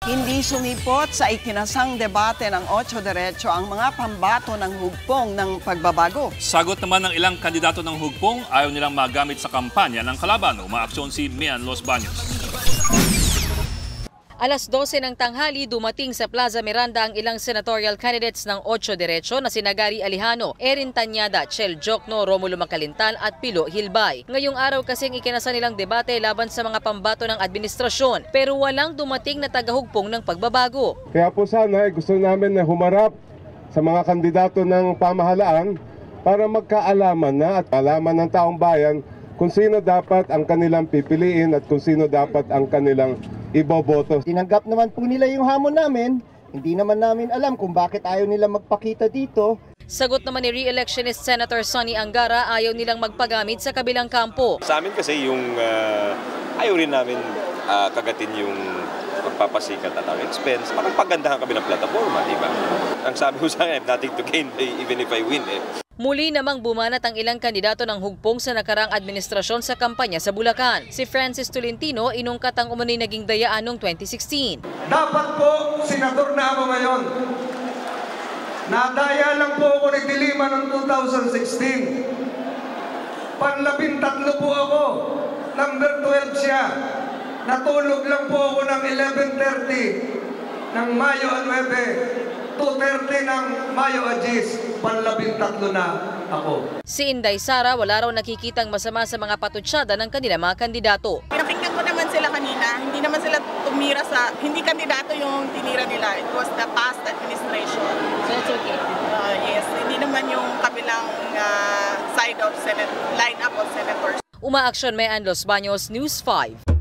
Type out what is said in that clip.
Hindi sumipot sa ikinasang debate ng 8 Diretso ang mga pambato ng hugpong ng pagbabago. Sagot naman ng ilang kandidato ng hugpong, ayaw nilang magamit sa kampanya ng kalaban. Umaaksyon si Mian Los Baños. Alas 12 ng tanghali, dumating sa Plaza Miranda ang ilang senatorial candidates ng 8 Diretso na sina Gary Alejano, Erin Tanyada, Chel Jokno, Romulo Macalintal at Pilo Hilbay. Ngayong araw kasing ikinasa nilang debate laban sa mga pambato ng administrasyon, pero walang dumating na tagahugpong ng pagbabago. Kaya po sana gusto namin na humarap sa mga kandidato ng pamahalaan para magkaalaman na at alaman ng taong bayan kung sino dapat ang kanilang pipiliin at kung sino dapat ang kanilang iboboto. Tinanggap naman po nila yung hamon namin. Hindi naman namin alam kung bakit ayaw nila magpakita dito. Sagot naman ni re-electionist Senator Sonny Angara, ayaw nilang magpagamit sa kabilang kampo. Sa amin kasi yung ayaw rin namin kagatin yung pagpapasikat at ang expense. Parang pagandahan kami ng plataforma, di ba? Ang sabi ko sa akin, nothing to gain even if I win. Muli namang bumanat ang ilang kandidato ng hugpong sa nakarang administrasyon sa kampanya sa Bulacan. Si Francis Tolentino inungkat ang umano'y naging dayaan noong 2016. Dapat po, senador na ako ngayon. Nadaya lang po ako ni Dilima noong 2016. Panlabintatlo po ako. Number 12 siya. Natulog lang po ako ng 11:30 ng Mayo 9. 2:30 ng Mayo 10, panlabintatlo na ako. Si Inday Sara wala raw nakikitang masama sa mga patutsada ng kanilang mga kandidato. Pinakinggan ko naman sila kanina, hindi naman sila tumira sa, hindi kandidato yung tinira nila. It was the past administration. So that's okay? Yes, hindi naman yung kabilang side of Senate, line-up of senators. Umaaksyon Mian Los Baños, News 5.